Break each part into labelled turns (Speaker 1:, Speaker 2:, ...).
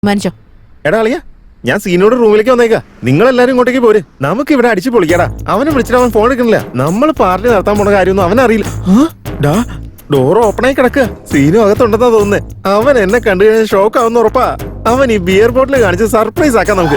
Speaker 1: മനുഷ്യോ
Speaker 2: എടാ അളിയ, ഞാൻ സീനോട് റൂമിലേക്ക് വന്നേക്കാ. നിങ്ങളെല്ലാരും ഇങ്ങോട്ടേക്ക് പോര്. നമുക്ക് ഇവിടെ അടിച്ചു പൊളിക്കാടാ. അവനെ വിളിച്ചിട്ട് അവൻ ഫോൺ എടുക്കണില്ല. നമ്മൾ പാർട്ടി നടത്താൻ പോണ കാര്യമൊന്നും അവനറിയില്ല. ഡോർ ഓപ്പണായി കിടക്കുക. സീനു അകത്തുണ്ടെന്നാ തോന്നുന്നേ. അവൻ എന്നെ കണ്ടു കഴിഞ്ഞാൽ ഷോക്ക് ആവുന്ന ഉറപ്പാ. അവൻ ഈ ബിയർ ബോട്ടിൽ കാണിച്ച് സർപ്രൈസ് ആക്കാം നമുക്ക്.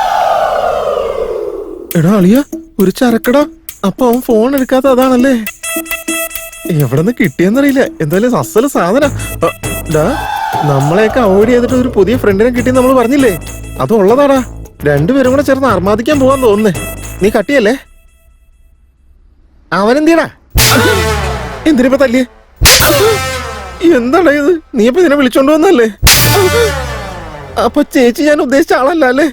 Speaker 2: എടാ അളിയ, ഒരു ചരക്കടാ. അപ്പൊ അവൻ ഫോൺ എടുക്കാത്ത അതാണല്ലേ. എവിടെന്ന് കിട്ടിയെന്നറിയില്ല. എന്തായാലും അസല് സാധന. നമ്മളെയൊക്കെ അവോയ്ഡ് ചെയ്തിട്ട് ഒരു പുതിയ ഫ്രണ്ടിനെ കിട്ടി നമ്മൾ പറഞ്ഞില്ലേ, അത് ഉള്ളതാടാ. രണ്ടുപേരും കൂടെ ചേർന്ന് അർമാദിക്കാൻ പോവാൻ തോന്നുന്നേ. നീ കട്ടിയല്ലേ? അവനെന്തിയടാ? എന്തിനിപ്പ തല്ലിയേ? എന്താടാ ഇത്? നീ ഇപ്പൊ ഇതിനെ വിളിച്ചോണ്ട് വന്നല്ലേ? അപ്പൊ ചേച്ചി ഞാൻ ഉദ്ദേശിച്ച ആളല്ല അല്ലേ?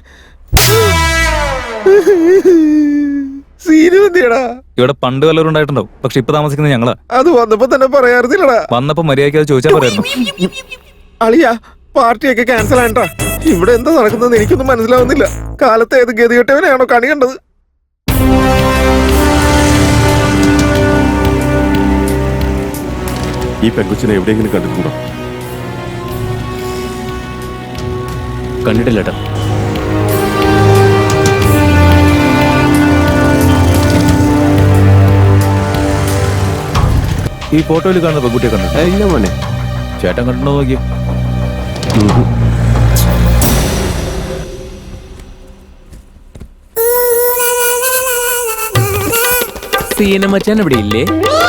Speaker 2: സീനു എന്തിയടാ?
Speaker 3: ഇവിടെ പണ്ട് വല്ലവരും ഉണ്ടായിട്ടുണ്ടാവും, പക്ഷെ ഇപ്പൊ താമസിക്കുന്നത് ഞങ്ങളാ.
Speaker 2: അത് വന്നപ്പോ തന്നെ പറയാറുന്നില്ലടാ.
Speaker 3: വന്നപ്പോ മര്യാദയ്ക്ക് അത് ചോദിച്ചാൽ പറയായിരുന്നു.
Speaker 2: അളിയാ, പാർട്ടിയൊക്കെ ക്യാൻസൽ ആണ്ടാ. ഇവിടെ എന്താ നടക്കുന്നത് എനിക്കൊന്നും മനസ്സിലാവുന്നില്ല. കാലത്ത് ഏത് ഗതികെട്ടവനെയാണോ കണി കണ്ടത്?
Speaker 4: ഈ പെങ്കുച്ചിനെ എവിടെയെങ്കിലും കണ്ടിട്ടുണ്ടോ?
Speaker 5: കണ്ടിട്ടില്ല.
Speaker 3: ഈ ഫോട്ടോയിൽ കാണുന്ന പെൺകുട്ടിയെ കണ്ടിട്ട്
Speaker 4: ഇല്ല മോനെ.
Speaker 3: ചേട്ടൻ കണ്ടിട്ടുണ്ടോ നോക്കിയോ?
Speaker 5: സീന മച്ചാൻ ഇവിടെ ഇല്ലേ?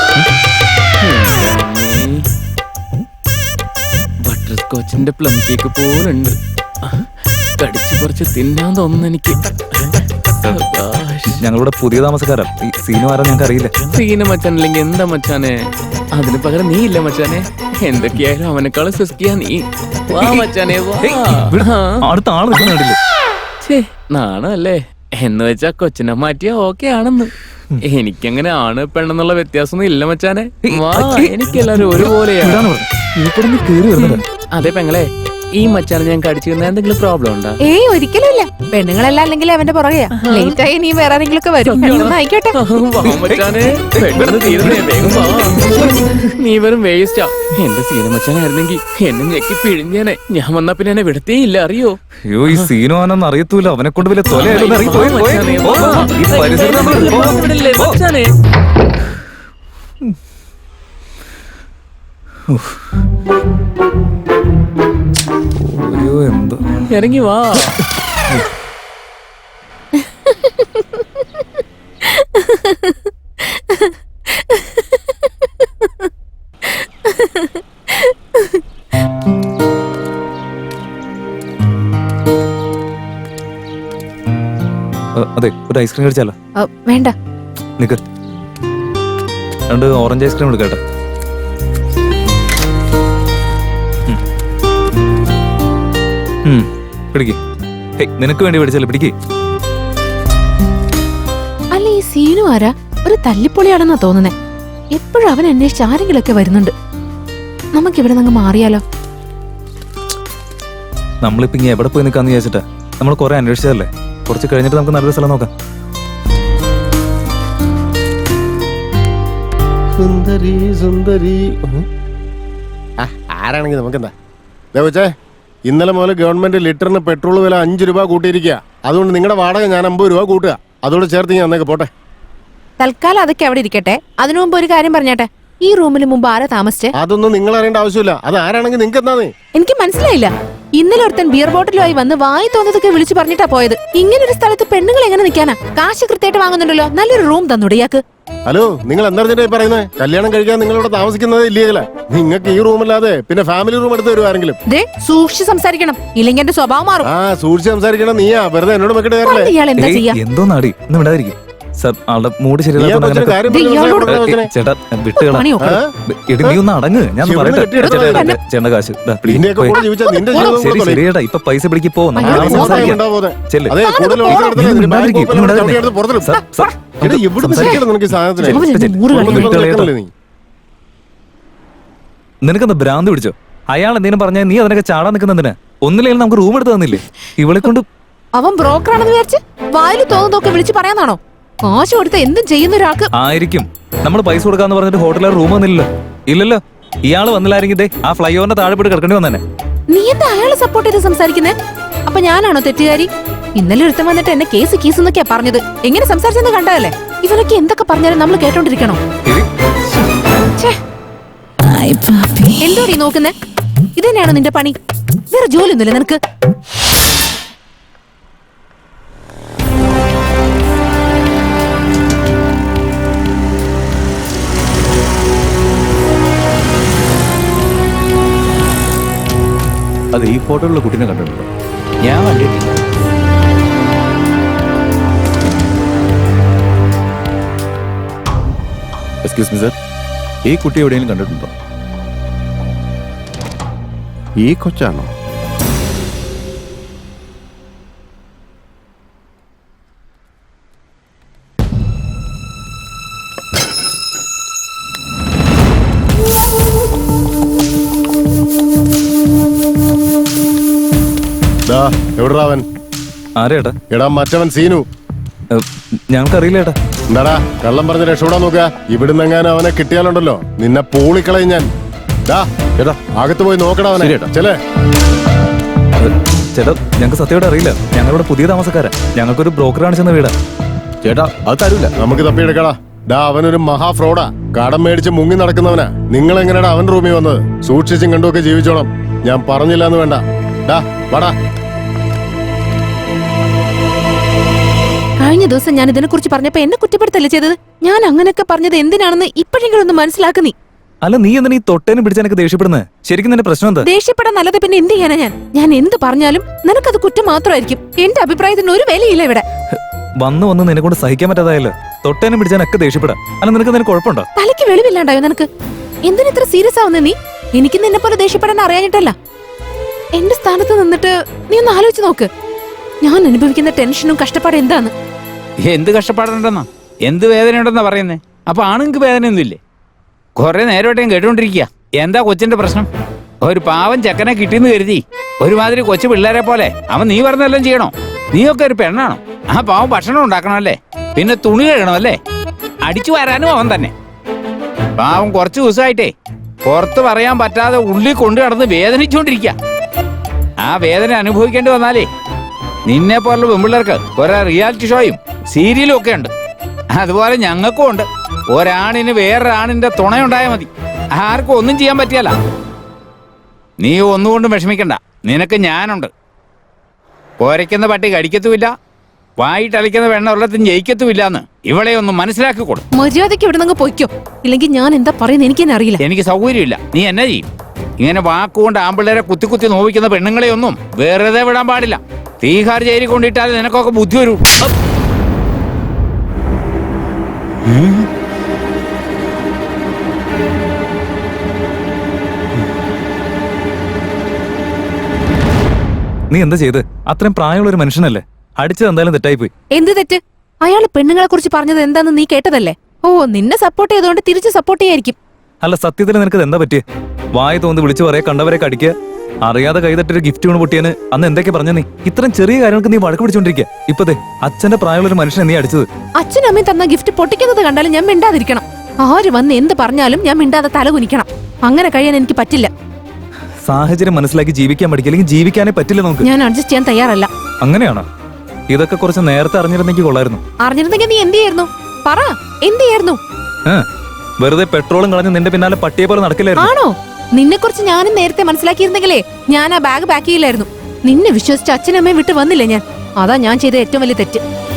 Speaker 5: ബട്ടർ സ്കോച്ചിന്റെ പ്ലം കേക്ക് പോലുണ്ട്. കടിച്ചു കുറച്ച് തിന്നാൻ തോന്നുന്നു എനിക്ക്.
Speaker 3: ഞങ്ങളിവിടെ പുതിയ താമസക്കാരാ. ഈ സീനു ആരാ ഞങ്ങൾക്ക് അറിയില്ല.
Speaker 5: സീന മച്ചാൻ അല്ലെങ്കിൽ എന്താ മച്ചാനെ? അതിന് പകരം നീ ഇല്ല മച്ചാനെ. എന്തൊക്കെയായാലും അവനെക്കാളും സുസ്കിയാ നീ. വാ മച്ചാനെ വാ.
Speaker 3: അടുത്ത ആള് നിൽക്കുന്നില്ലേ?
Speaker 5: നാണല്ലേ എന്ന് വെച്ചാ കൊച്ചിനെ മാറ്റിയാ ഓക്കെ ആണെന്ന്. എനിക്കങ്ങനെ ആണ് പെണ്ണെന്നുള്ള വ്യത്യാസമൊന്നും ഇല്ല മച്ചാനെ. വാ, എനിക്കെല്ലാരും ഒരുപോലെയാണ്. അതെ പെങ്ങളെ, ഈ മച്ചാനെ ഞാൻ കടിച്ചു തന്ന എന്തെങ്കിലും പ്രോബ്ലം ഉണ്ടോ?
Speaker 1: ഏയ് ഒരിക്കലും ഇല്ല. പെണ്ണുങ്ങളെല്ലാം അല്ലെങ്കിൽ അവന്റെ പുറകെയാ. ലേറ്റ് ആയി നീ വേറെ ആരെങ്കിലും ഒക്കെ വരും. ആയിക്കോട്ടെ.
Speaker 5: നീ വെറും വേസ്റ്റാ. എന്റെ സീന മച്ചാനായിരുന്നെങ്കിൽ എന്നെ ഞെക്കി പിഴിഞ്ഞേനെ. ഞാൻ വന്നാ പിന്നെ എന്നെ വിടത്തേ ഇല്ല, അറിയോ?
Speaker 3: അയ്യോ, ഈ സീനു ആണെന്ന് അറിയത്തൂല. അവനെ കൊണ്ട് വലിയ തൊലയായിരുന്നു. എന്താ
Speaker 5: ഇറങ്ങി വാ.
Speaker 3: അതെ, ഒരു ഐസ്ക്രീം കഴിച്ചാലോ?
Speaker 1: വേണ്ട.
Speaker 3: നിക്ക്, 2 ഓറഞ്ച് ഐസ്ക്രീം എടുക്കട്ടെ. പിടിക്ക്. നിനക്ക് വേണ്ടി പിടിച്ചല്ലേ, പിടിക്ക്.
Speaker 1: അല്ല, ഈ സീനു ആരാ? ഒരു തല്ലിപ്പൊളിയാണെന്നാ തോന്നുന്നേ. എപ്പോഴും അവൻ അന്വേഷിച്ച് ആരെങ്കിലും ഒക്കെ വരുന്നുണ്ട്. നമുക്കിവിടെ നിന്ന് മാറിയാലോ?
Speaker 3: നമ്മളിപ്പോ ഇങ്ങനെ എവിടെ പോയി നിൽക്കാന്ന് വിചാരിച്ചിട്ടാ. നമ്മൾ കുറെ അന്വേഷിച്ചതല്ലേ. കുറച്ച് കഴിഞ്ഞിട്ട് നമുക്ക് നല്ലൊരു സ്ഥലം നോക്കാം.
Speaker 2: സുന്ദരി സുന്ദരി. ആരാണെങ്കിൽ നമുക്കെന്താ? ദേവച്ചേ, ഇന്നലെ മുതൽ ഗവൺമെന്റ് ലിറ്ററിന് പെട്രോൾ വില 5 രൂപ കൂട്ടിയിരിക്കുക. അതുകൊണ്ട് നിങ്ങളുടെ വാടക ഞാൻ 50 രൂപ കൂട്ടുക. അതോട് ചേർത്ത് ഞാൻ അന്നേക്ക് പോട്ടെ.
Speaker 1: തൽക്കാലം അതൊക്കെ അവിടെ ഇരിക്കട്ടെ. അതിനു മുമ്പ് ഒരു കാര്യം പറഞ്ഞാട്ടെ. ഈ റൂമിന് മുമ്പ് ആരാ താമസിച്ചേ?
Speaker 2: അതൊന്നും നിങ്ങൾ അറിയേണ്ട ആവശ്യമില്ല. അത് ആരാണെങ്കിൽ നിങ്ങൾക്ക് എന്താ?
Speaker 1: എനിക്ക് മനസ്സിലായില്ല. ഇന്നലെ ഒരുത്തൻ ബിയർ ബോട്ടിലുമായി വന്ന് വായി തോന്നതൊക്കെ വിളിച്ചു പറഞ്ഞിട്ടാ പോയത്. ഇങ്ങനെ ഒരു സ്ഥലത്ത് പെണ്ണുങ്ങൾ എങ്ങനെ നിൽക്കാനാ? കാശ് കൃത്യമായിട്ട് വാങ്ങുന്നുണ്ടല്ലോ. നല്ലൊരു റൂം തന്നൂടെ ഇയാൾക്ക്?
Speaker 2: ഹലോ, നിങ്ങൾ എന്താ പറയുന്നത്? കല്യാണം കഴിക്കാൻ നിങ്ങൾ ഇവിടെ താമസിക്കുന്നത് ഇല്ലീഗല. നിങ്ങൾക്ക് ഈ റൂമല്ലാതെ പിന്നെ ഫാമിലി റൂം എടുത്ത് തരും ആരെങ്കിലും?
Speaker 1: സൂക്ഷിച്ച് സംസാരിക്കണം, ഇല്ലെങ്കിൽ എന്റെ സ്വഭാവം മാറും.
Speaker 2: സൂക്ഷിച്ച് സംസാരിക്കണം. നീയാ വെറുതെ എന്നോട് മെക്കിട്ട് കയറല്ലേ?
Speaker 1: ഇയാൾ എന്താ ചെയ്യാ?
Speaker 3: എന്തോ നാടി ഇന്ന് വിടാതിരിക്കും. സാർ, ആളുടെ മൂഡ് ശരിയല്ല. ചേട്ടാ വിട്ടുകളാ. നീ ഒന്ന് അടങ്ങ്. ഞാൻ പറയട്ടെ. ചേട്ടന്റെ കാശ് ശരി ശരിയേട്ടാ. ഇപ്പൊ പൈസ പിടിക്ക് പോ. നിനക്കെന്താ ഭ്രാന്ത് പിടിച്ചോ? അയാൾ എന്തെങ്കിലും പറഞ്ഞാൽ നീ അതിനൊക്കെ ചാടാൻ നിൽക്കുന്നതിന് ഒന്നില്ലെങ്കിൽ നമുക്ക് റൂം എടുത്ത് തന്നില്ലേ? ഇവളെ കൊണ്ട്
Speaker 1: അവൻ ബ്രോക്കറാണെന്ന് വിചാരിച്ച് വായിൽ തോന്നുന്നതൊക്കെ വിളിച്ച് പറയാന്നാണോ? കാശ് കൊടുത്ത എന്തും ചെയ്യുന്ന ഒരാൾക്ക്
Speaker 3: ആയിരിക്കും. നമ്മൾ പൈസ കൊടുക്കാന്ന് പറഞ്ഞിട്ട് ഹോട്ടലിൽ റൂം വന്നില്ലല്ലോ. ഇല്ലല്ലോ. ഇയാള് വന്നില്ലായിരുന്നെങ്കിൽ ആ ഫ്ലൈ ഓവറിന്റെ താഴെ പോയിട്ട് കിടക്കേണ്ടി വന്നെ.
Speaker 1: നീ എന്താ അയാളെ സപ്പോർട്ട് ചെയ്ത് സംസാരിക്കുന്നേ? അപ്പൊ ഞാനാണോ തെറ്റുകാരി? ഇന്നലെ ഒരുത്തൻ വന്നിട്ട് എന്നെ കേസ് എന്നൊക്കെയാ പറഞ്ഞത്. എങ്ങനെ സംസാരിച്ചെന്ന് കണ്ടതല്ലേ? ഇവനൊക്കെ എന്തൊക്കെ പറഞ്ഞാലും നമ്മൾ കേട്ടോണ്ടിരിക്കണോ? എന്തോടി നോക്കുന്നേ? ഇത് തന്നെയാണോ നിന്റെ പണി? വേറെ ജോലിയൊന്നുമില്ല നിനക്ക്?
Speaker 3: അത് ഈ ഫോട്ടോയിലുള്ള കുട്ടീനെ കണ്ടിട്ടുണ്ടോ?
Speaker 6: ഞാൻ കണ്ടിട്ടില്ല.
Speaker 3: എക്സ്ക്യൂസ് മീ സർ, ഈ കുട്ടി എവിടെയെങ്കിലും കണ്ടിട്ടുണ്ടോ?
Speaker 4: ഈ കൊച്ചാണോ?
Speaker 2: എവിടാ അവൻ?
Speaker 3: ആരേട്ടാ?
Speaker 2: എടാ മറ്റവൻ സീനു.
Speaker 3: ഞങ്ങൾക്കറിയില്ല ഏട്ടാ.
Speaker 2: എന്താടാ കള്ളം പറഞ്ഞ് രക്ഷപ്പെടാൻ നോക്കുക. ഇവിടുന്ന് എങ്ങാനും അവനെ കിട്ടിയാലുണ്ടല്ലോ നിന്നെ പൂളിക്കളയും ഞാൻ. ചേട്ടാ അകത്ത് പോയി നോക്കടാ അവനെ. ചെലേ
Speaker 3: ചേട്ടാ, ഞങ്ങൾക്ക് സത്യമായിട്ട് അറിയില്ല. ഞങ്ങളിവിടെ പുതിയ താമസക്കാരാ. ഞങ്ങൾക്കൊരു ബ്രോക്കർ കാണിച്ചെന്ന വീടാ. ചേട്ടാ അത് തരൂല.
Speaker 2: നമുക്ക് തപ്പിയെടുക്കടാ. അവനൊരു മഹാ ഫ്രോഡാ. കടം മേടിച്ച് മുങ്ങി നടക്കുന്നവനാ. നിങ്ങൾ എങ്ങനെയാടാ അവൻ റൂമിൽ വന്നത്? സൂക്ഷിച്ചും കണ്ടുമൊക്കെ ജീവിച്ചോണം. ഞാൻ പറഞ്ഞില്ല എന്ന് വേണ്ട. വാടാ.
Speaker 1: കഴിഞ്ഞ ദിവസം ഞാൻ ഇതിനെ കുറിച്ച് പറഞ്ഞപ്പോ എന്നെ കുറ്റപ്പെടുത്തല്ലേ ചെയ്തത്? ഞാൻ അങ്ങനെയൊക്കെ പറഞ്ഞത് എന്തിനാണെന്ന് ഇപ്പോഴെങ്കിലും ഒന്ന് മനസ്സിലാക്കുന്നീ.
Speaker 3: അല്ല, നീ എന്തിനാ ഈ തൊട്ടേനും പിടിച്ചെനക്ക് ദേഷ്യപ്പെടുന്നത്? ശരിക്കും നിന്റെ പ്രശ്നം എന്താ?
Speaker 1: ദേഷ്യപ്പെടാൻ നല്ലത് പിന്നെ എന്ത് ചെയ്യാനാ? ഞാൻ എന്ത് പറഞ്ഞാലും നിനക്കത് കുറ്റം മാത്രമായിരിക്കും. എന്റെ അഭിപ്രായത്തിന് ഒരു വിലയില്ല ഇവിടെ.
Speaker 3: വന്ന് നിന്നെ കൊണ്ട് സഹിക്കാൻ പറ്റാതായല്ലോ. തൊട്ടേനും പിടിച്ചാനൊക്കെ ദേഷ്യപ്പെടാം. അല്ല, നിനക്ക് കുഴപ്പമുണ്ടോ?
Speaker 1: തലയ്ക്ക് വെളിവില്ലാണ്ടായോ നിനക്ക്? എന്തിനിത്ര സീരിയസ് ആവുന്ന നീ? എനിക്ക് നിന്നെ പോലെ ദേഷ്യപ്പെടാൻ അറിയാഞ്ഞിട്ടല്ല. എന്റെ സ്ഥാനത്ത് നിന്നിട്ട് നീ ഒന്ന് ആലോചിച്ച് നോക്ക്. ഞാൻ അനുഭവിക്കുന്ന ടെൻഷനും കഷ്ടപ്പാടും എന്താന്ന്.
Speaker 6: എന്ത് കഷ്ടപ്പാടുണ്ടെന്നാ, എന്ത് വേദനയുണ്ടെന്നാ പറയുന്നേ? അപ്പൊ ആണുങ്ങൾക്ക് വേദനയൊന്നുമില്ലേ? കുറെ നേരമായിട്ട് ഞാൻ കേട്ടോണ്ടിരിക്കുക. എന്താ കൊച്ചിന്റെ പ്രശ്നം? ഒരു പാവം ചെക്കനെ കിട്ടിയെന്ന് കരുതി ഒരുമാതിരി കൊച്ചു പിള്ളേരെ പോലെ അവൻ നീ പറഞ്ഞെല്ലാം ചെയ്യണോ? നീയൊക്കെ ഒരു പെണ്ണാണോ? ആ പാവം ഭക്ഷണം ഉണ്ടാക്കണമല്ലേ, പിന്നെ തുണി കഴുകണമല്ലേ, അടിച്ചു വരാനും അവൻ തന്നെ. പാവം കുറച്ചു ദിവസമായിട്ടേ പുറത്ത് പറയാൻ പറ്റാതെ ഉള്ളിൽ കൊണ്ടു നടന്ന് വേദനിച്ചുകൊണ്ടിരിക്കുക. ആ വേദന അനുഭവിക്കേണ്ടി വന്നാലേ നിന്നെ പോലുള്ള പെൺപിള്ളേർക്ക് കുറെ റിയാലിറ്റി ഷോയും സീരിയലും ഒക്കെ ഉണ്ട്. അതുപോലെ ഞങ്ങൾക്കും ഉണ്ട്. ഒരാണിന് വേറൊരാണിന്റെ തുണയുണ്ടായാൽ മതി. ആർക്കും ഒന്നും ചെയ്യാൻ പറ്റിയല്ല. നീ ഒന്നുകൊണ്ടും വിഷമിക്കണ്ട, നിനക്ക് ഞാനുണ്ട്. പോരയ്ക്കുന്ന പട്ടി കടിക്കത്തുമില്ല, വായിട്ടളിക്കുന്ന വെണ്ണ ഉള്ളത്തും ജയിക്കത്തുമില്ലാന്ന് ഇവളെ ഒന്ന് മനസ്സിലാക്കിക്കൊള്ളു.
Speaker 1: മര്യാദയ്ക്ക് ഇവിടെ നിന്ന് പൊയ്ക്കോ, ഇല്ലെങ്കിൽ ഞാൻ എന്താ പറയുന്നത് എനിക്ക് തന്നെ അറിയില്ല.
Speaker 6: എനിക്ക് സൗകര്യമില്ല. നീ എന്നാ ചെയ്യും? ഇങ്ങനെ വാക്കുകൊണ്ട് ആമ്പിള്ളേരെ കുത്തി നോവിക്കുന്ന പെണ്ണുങ്ങളെ ഒന്നും വെറുതെ വിടാൻ പാടില്ല. തീഹാർ ജയിലിൽ കൊണ്ടിട്ടാൽ നിനക്കൊക്കെ ബുദ്ധി വരൂ.
Speaker 3: നീ എന്താ ചെയ്ത്? അത്രയും പ്രായമുള്ള ഒരു മനുഷ്യനല്ലേ? അടിച്ചത് എന്തായാലും തെറ്റായിപ്പോയി.
Speaker 1: എന്ത് തെറ്റ്? അയാള് പെണ്ണുങ്ങളെ കുറിച്ച് പറഞ്ഞത് എന്താന്ന് നീ കേട്ടതല്ലേ? ഓ, നിന്നെ സപ്പോർട്ട് ചെയ്തോണ്ട് തിരിച്ച് സപ്പോർട്ട് ചെയ്യായിരിക്കും.
Speaker 3: അല്ല, സത്യത്തിൽ നിനക്ക് എന്താ പറ്റിയ? വായ തോന്നി വിളിച്ചു പറയാ, കണ്ടവരെ കടിക്കുക, അറിയാതെ കൈതട്ടൊരു ഗിഫ്റ്റ് കൊണ്ട് പൊട്ടിയാന് അന്ന് എന്തൊക്കെ പറഞ്ഞ നീ? ഇത്രയും ചെറിയ കാര്യങ്ങൾക്ക് നീ വഴക്ക് പിടിച്ചോണ്ടിരിക്കുക. ഇപ്പതേ അച്ഛന്റെ പ്രായമുള്ള ഒരു മനുഷ്യനെ നീ അടിച്ചത്.
Speaker 1: അച്ഛനും അമ്മയും തന്ന ഗിഫ്റ്റ് പൊട്ടിക്കുന്നത് കണ്ടാലും ഞാൻ മിണ്ടാതിരിക്കണം. ആര് വന്ന് എന്ത് പറഞ്ഞാലും ഞാൻ മിണ്ടാതെ തലകുനിക്കണം. അങ്ങനെ കഴിയാൻ എനിക്ക് പറ്റില്ല.
Speaker 3: സാഹചര്യം മനസ്സിലാക്കി ജീവിക്കാൻ പഠിക്കുക, അല്ലെങ്കിൽ ജീവിക്കാനേ പറ്റില്ല നമുക്ക്.
Speaker 1: ഞാൻ അഡ്ജസ്റ്റ് ചെയ്യാൻ തയ്യാറല്ല.
Speaker 3: അങ്ങനെയാണോ? ഇതൊക്കെ കുറച്ച് നേരത്തെ അറിഞ്ഞിരുന്നെങ്കിൽ കൊള്ളായിരുന്നു.
Speaker 1: അറിഞ്ഞിരുന്നെങ്കിൽ നീ എന്ത് ചെയ്യായിരുന്നു? പറ, എന്ത് ചെയ്യായിരുന്നു?
Speaker 3: വെറുതെ പെട്രോളും കളഞ്ഞ് നിന്റെ പിന്നാലെ പട്ടിയെ പോലെ നടക്കില്ലായിരുന്നു.
Speaker 1: ആണോ? നിന്നെ കുറിച്ച് ഞാനും നേരത്തെ മനസ്സിലാക്കിയിരുന്നെങ്കിലേ ഞാൻ ആ ബാഗ് പാക്ക് ചെയ്യില്ലായിരുന്നു. നിന്നെ വിശ്വസിച്ച് അച്ഛനമ്മയും വിട്ട് വന്നില്ലേ ഞാൻ. അതാ ഞാൻ ചെയ്ത ഏറ്റവും വലിയ തെറ്റ്.